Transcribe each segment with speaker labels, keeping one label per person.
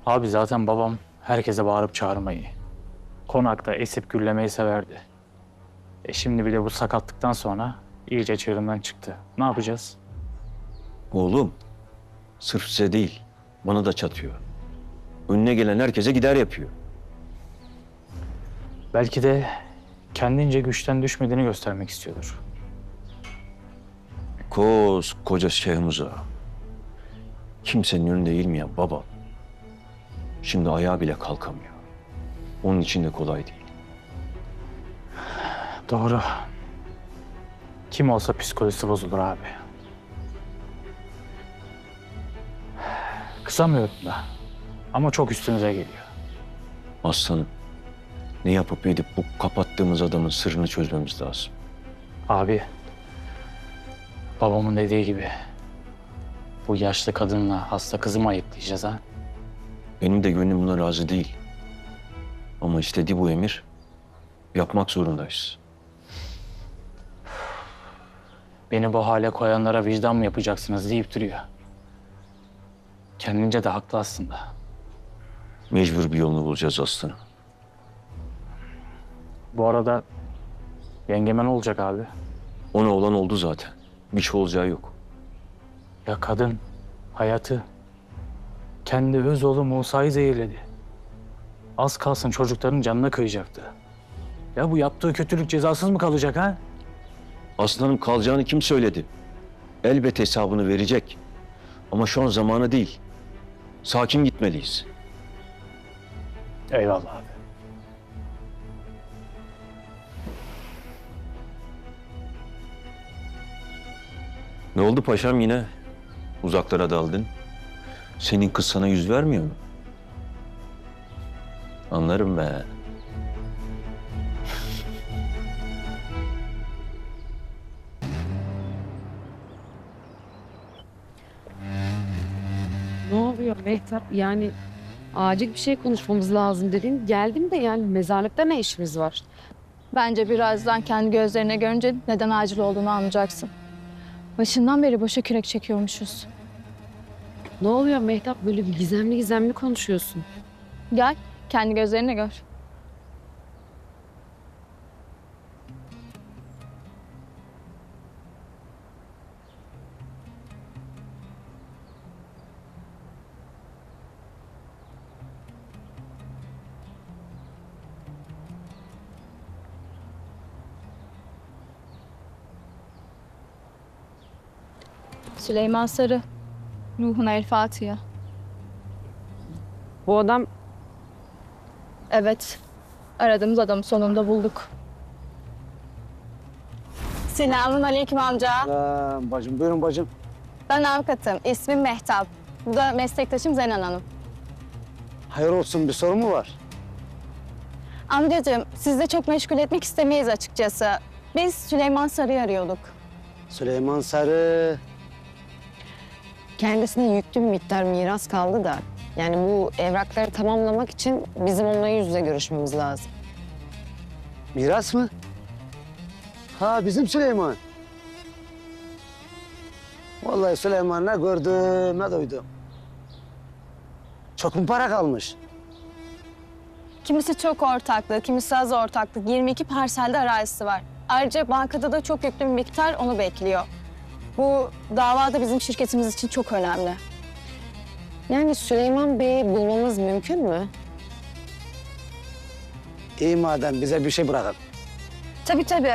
Speaker 1: Abi zaten babam herkese bağırıp çağırmayı, konakta esip gürlemeyi severdi. Şimdi bir de bu sakatlıktan sonra iyice çığırından çıktı. Ne yapacağız?
Speaker 2: Oğlum, sırf size değil, bana da çatıyor. Önüne gelen herkese gider yapıyor.
Speaker 1: Belki de kendince güçten düşmediğini göstermek istiyordur.
Speaker 2: Koskoca Şehmuz'a. Kimsenin önünde eğilmeyen baba. Şimdi ayağa bile kalkamıyor. Onun için de kolay değil.
Speaker 1: Doğru. Kim olsa psikolojisi bozulur abi. Kısamıyorum da. Ama çok üstünüze geliyor.
Speaker 2: Aslanım, ne yapıp edip bu kapattığımız adamın sırrını çözmemiz lazım.
Speaker 1: Abi, babamın dediği gibi bu yaşlı kadınla hasta kızı mı ayıplayacağız ha?
Speaker 2: Benim de gönlüm buna razı değil. Ama istediği bu emir, yapmak zorundayız.
Speaker 1: Beni bu hale koyanlara vicdan mı yapacaksınız deyip duruyor. Kendince de haklı aslında.
Speaker 2: Mecbur bir yolunu bulacağız aslanım.
Speaker 1: Bu arada yengeme ne olacak abi?
Speaker 2: Ona olan oldu zaten. Bir şey olacağı yok.
Speaker 1: Ya kadın hayatı kendi öz oğlu Musa'yı zehirledi. Az kalsın çocukların canına kıyacaktı. Ya bu yaptığı kötülük cezasız mı kalacak ha?
Speaker 2: Aslanım kalacağını kim söyledi? Elbet hesabını verecek. Ama şu an zamanı değil. Sakin gitmeliyiz.
Speaker 1: Eyvallah abi.
Speaker 2: Ne oldu paşam yine? Uzaklara daldın. Senin kız sana yüz vermiyor mu? Anlarım be.
Speaker 3: Ne oluyor Mehtap? Yani acil bir şey konuşmamız lazım dedin. Geldim de yani mezarlıkta ne işimiz var?
Speaker 4: Bence birazdan kendi gözlerine görünce neden acil olduğunu anlayacaksın. Başından beri boşa kürek çekiyormuşuz.
Speaker 3: Ne oluyor Mehtap? Böyle bir gizemli gizemli konuşuyorsun.
Speaker 4: Gel, kendi gözlerine gör. Süleyman Sarı, ruhuna el Fatiha.
Speaker 3: Bu adam
Speaker 4: Evet, aradığımız adamı sonunda bulduk. Selamun aleyküm amca.
Speaker 5: Bacım, buyurun bacım.
Speaker 4: Ben avukatım, ismim Mehtap. Bu da meslektaşım Zenan Hanım.
Speaker 5: Hayır olsun, bir sorun mu var?
Speaker 4: Amcacığım, sizi de çok meşgul etmek istemeyiz açıkçası. Biz Süleyman Sarı'yı arıyorduk.
Speaker 5: Süleyman Sarı.
Speaker 6: Kendisine yüklü bir miktar miras kaldı da. Yani bu evrakları tamamlamak için bizim onunla yüz yüze görüşmemiz lazım.
Speaker 5: Miras mı? Ha, bizim Süleyman. Vallahi Süleyman ne gördüm, ne duydum. Çok mu para kalmış?
Speaker 4: Kimisi çok ortaklı, kimisi az ortaklık. 22 parselde arazisi var. Ayrıca bankada da çok yüklü bir miktar onu bekliyor. Bu davada bizim şirketimiz için çok önemli.
Speaker 6: Yani Süleyman Bey'i bulmamız mümkün mü?
Speaker 5: İyi madem bize bir şey bırakın.
Speaker 4: Tabii tabii.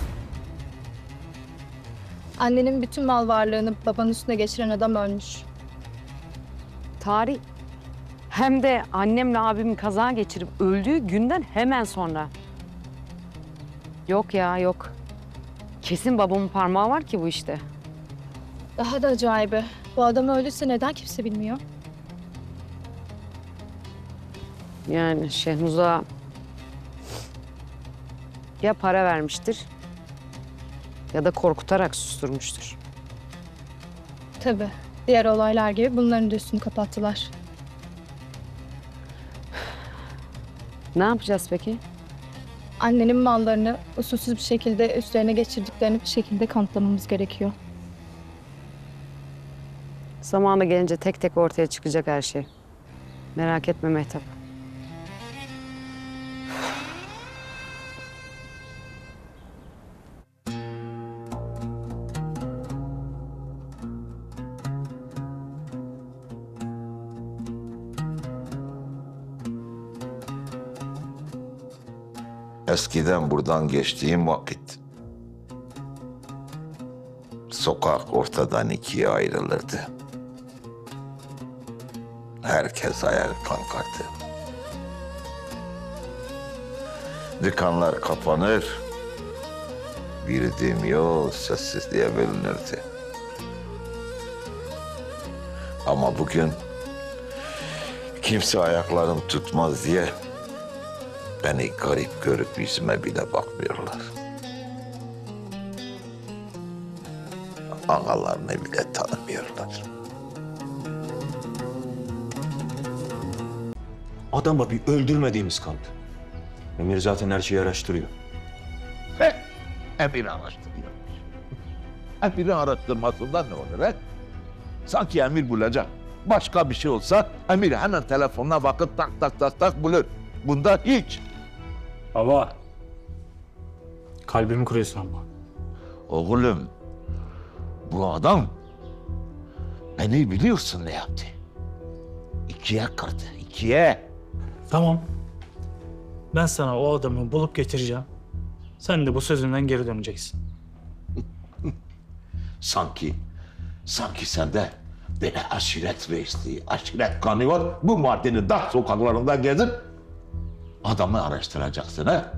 Speaker 4: Annenin bütün mal varlığını babanın üstüne geçiren adam ölmüş.
Speaker 3: tarih. Hem de annemle abimin kaza geçirip öldüğü günden hemen sonra. Yok ya yok. Kesin babamın parmağı var ki bu işte.
Speaker 4: Daha da acayibi. Bu adam öldüyse neden kimse bilmiyor?
Speaker 3: Yani Şehmuz'a ya para vermiştir ya da korkutarak susturmuştur.
Speaker 4: Tabii. Diğer olaylar gibi bunların da üstünü kapattılar.
Speaker 3: Ne yapacağız peki?
Speaker 4: Annenin mallarını usulsüz bir şekilde üstlerine geçirdiklerini bir şekilde kanıtlamamız gerekiyor.
Speaker 3: Zamanı gelince tek tek ortaya çıkacak her şey. Merak etme Mehtap.
Speaker 7: Eskiden buradan geçtiğim vakit sokak ortadan ikiye ayrılırdı. Herkes ayağa kalkardı. Dükkanlar kapanır, girdiğim yol sessizliğe bölünürdü. Ama bugün kimse ayaklarım tutmaz diye beni garip görüp yüzüme bile bakmıyorlar. Ağalarını bile tanımıyorlar.
Speaker 2: Adama bir öldürmediğimiz kaldı. Emir zaten her şeyi araştırıyor.
Speaker 8: Emir'i araştırıyor. Emir'in araştırmasından ne olur he? Sanki Emir bulacak. Başka bir şey olsa Emir hemen telefonuna bakıp tak tak tak tak bulur. Bunda hiç.
Speaker 1: Baba. Kalbimi kırıyorsun ama.
Speaker 8: Oğlum, bu adam beni biliyorsun ne yaptı. İkiye kırdı, ikiye.
Speaker 1: Tamam. Ben sana o adamı bulup getireceğim. Sen de bu sözünden geri döneceksin.
Speaker 8: Sanki sende böyle aşiret reisliği, aşiret kanı var. Bu maddenin dar sokaklarında gezip adamı araştıracaksın ha?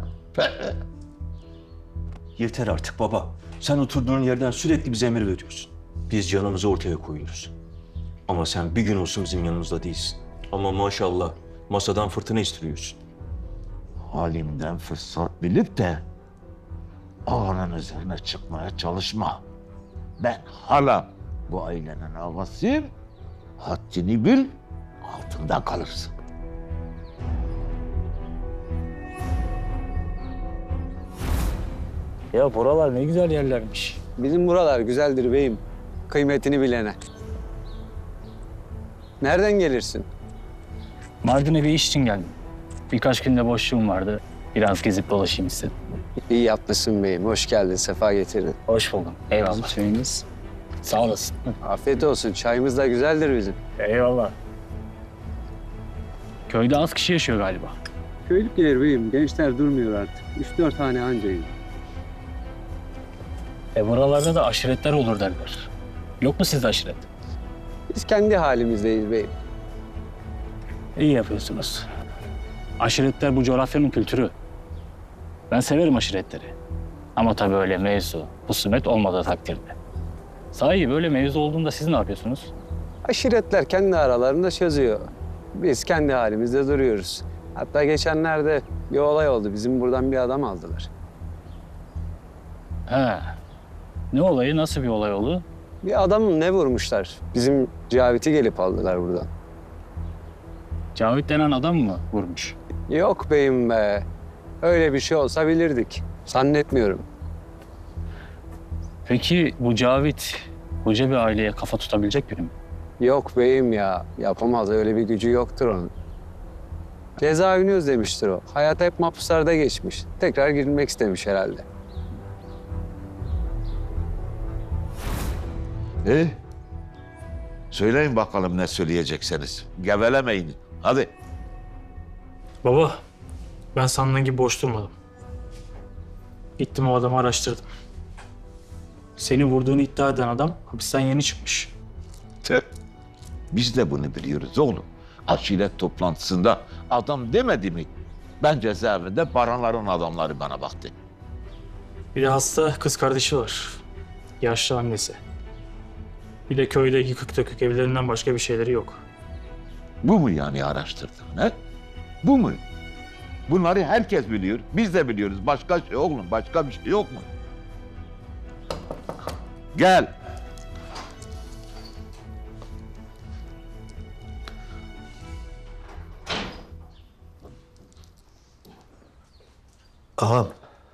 Speaker 2: Yeter artık baba. Sen oturduğun yerden sürekli bize emir veriyorsun. Biz canımızı ortaya koyuyoruz. Ama sen bir gün olsun bizim yanımızda değilsin. Ama maşallah masadan fırtına istiriyorsun.
Speaker 8: Halimden fırsat bilip de ağanın üzerine çıkmaya çalışma. Ben hala bu ailenin ağasıyım. Haddini bil, altında kalırsın.
Speaker 1: Ya buralar ne güzel yerlermiş.
Speaker 5: Bizim buralar güzeldir beyim. Kıymetini bilene. Nereden gelirsin?
Speaker 1: Mardin'e bir iş için geldim. Birkaç günde boşluğum vardı. Biraz gezip dolaşayım istedim.
Speaker 5: İyi yapmışsın beyim. Hoş geldin. Sefa getirdin.
Speaker 1: Hoş buldum. Eyvallah. Çayımız. Sağ olasın.
Speaker 5: Afiyet olsun. Çayımız da güzeldir bizim.
Speaker 1: Eyvallah. Köyde az kişi yaşıyor galiba.
Speaker 9: Köylük gelir beyim. Gençler durmuyor artık. 3-4 tane ancayım.
Speaker 1: Buralarda da aşiretler olur derler. Yok mu sizde aşiret?
Speaker 5: Biz kendi halimizdeyiz beyim.
Speaker 1: İyi yapıyorsunuz. Aşiretler bu coğrafyanın kültürü. Ben severim aşiretleri. Ama tabii öyle mevzu, husumet olmadığı takdirde. Sahi böyle mevzu olduğunda siz ne yapıyorsunuz?
Speaker 5: Aşiretler kendi aralarında çözüyor. Biz kendi halimizde duruyoruz. Hatta geçenlerde bir olay oldu. Bizim buradan bir adam aldılar.
Speaker 1: He. Ne olayı, nasıl bir olay oldu?
Speaker 5: Bir adamı ne vurmuşlar? Bizim Cavit'i gelip aldılar buradan.
Speaker 1: Cavit denen adam mı vurmuş?
Speaker 5: Yok beyim be. Öyle bir şey olsa bilirdik. Zannetmiyorum.
Speaker 1: Peki bu Cavit koca bir aileye kafa tutabilecek biri mi?
Speaker 5: Yok beyim ya. Yapamaz. Öyle bir gücü yoktur onun. Cezaevini özlemiştir o. Hayat hep mahpuslarda geçmiş. Tekrar girmek istemiş herhalde.
Speaker 8: Söyleyin bakalım ne söyleyecekseniz. Gevelemeyin. Hadi.
Speaker 1: Baba, ben sandığın gibi boş durmadım. Gittim o adamı araştırdım. Seni vurduğunu iddia eden adam hapisten yeni çıkmış.
Speaker 8: Tüh. Biz de bunu biliyoruz oğlum. Aşiret toplantısında adam demedi mi? Ben cezaevinde baranların adamları bana baktı.
Speaker 1: Bir de hasta kız kardeşi var. Yaşlı annesi. Bir de köyde yıkık dökük evlerinden başka bir şeyleri yok.
Speaker 8: Bu mu yani araştırdın he? Bu mu? Bunları herkes biliyor. Biz de biliyoruz. Başka şey oğlum. Başka bir şey yok mu? Gel.
Speaker 10: Ağam,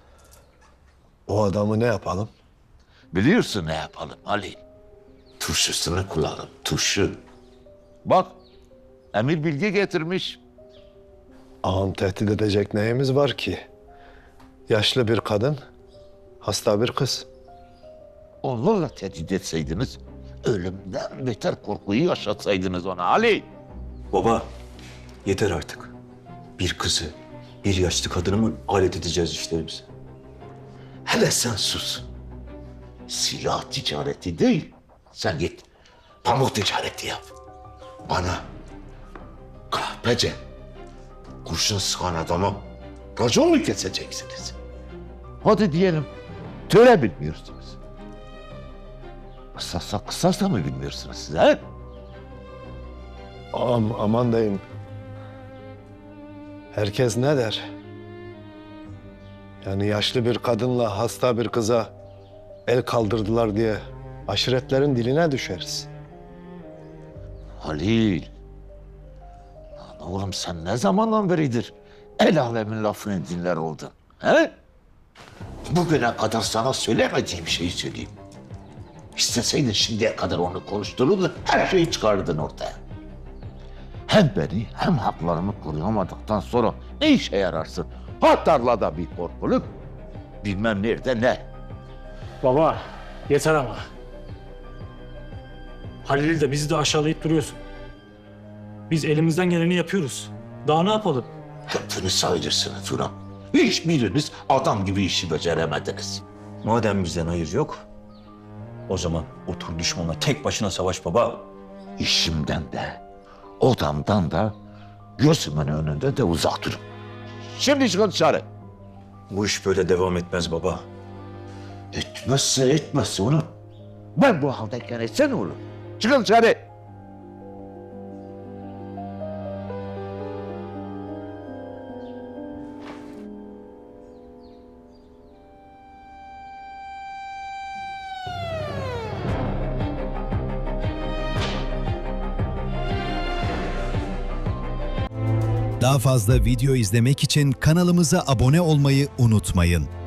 Speaker 10: o adamı ne yapalım?
Speaker 8: Biliyorsun ne yapalım Ali? Turşusunu kullanalım. Turşu. Bak Emir bilgi getirmiş.
Speaker 10: Ağam tehdit edecek neyimiz var ki? Yaşlı bir kadın, hasta bir kız.
Speaker 8: Onlarla tehdit etseydiniz, ölümden beter korkuyu yaşatsaydınız ona Ali.
Speaker 2: Baba, yeter artık. Bir kızı, bir yaşlı kadını mı alet edeceğiz işlerimize?
Speaker 8: Hele sen sus. Silah ticareti değil. Sen git pamuk ticareti yap. Bana kahpece kurşun sıkan adama racon mu keseceksiniz? Hadi diyelim töre bilmiyorsunuz. Kısasa mı bilmiyorsunuz siz he?
Speaker 10: Ağam aman diyeyim. Herkes ne der? Yani yaşlı bir kadınla hasta bir kıza el kaldırdılar diye aşiretlerin diline düşeriz.
Speaker 8: Halil. Lan oğlum sen ne zamandan beridir el alemin lafını dinler oldun? He? Bugüne kadar sana söylemediğim şeyi söyleyeyim. İsteseydin şimdiye kadar onu konuştururdun, her şeyi çıkardın ortaya. Hem beni hem haklarımı koruyamadıktan sonra ne işe yararsın? Ha tarlada bir korkuluk, bilmem nerede ne.
Speaker 1: Baba, yeter ama. Halil'i de bizi de aşağılayıp duruyorsun. Biz elimizden geleni yapıyoruz. Daha ne yapalım?
Speaker 8: Hepiniz ayrısınız ulan. Hiçbiriniz adam gibi işi beceremediniz.
Speaker 2: Madem bizden hayır yok, o zaman otur düşmanla tek başına savaş baba.
Speaker 8: İşimden de, odamdan da, gözümün önünde de uzak durun. Şimdi çıkın dışarı.
Speaker 2: Bu iş böyle devam etmez baba.
Speaker 8: Etmezse onu. Ben bu haldeyken etse ne olur? Çıkın dışarı.
Speaker 11: Daha fazla video izlemek için kanalımıza abone olmayı unutmayın.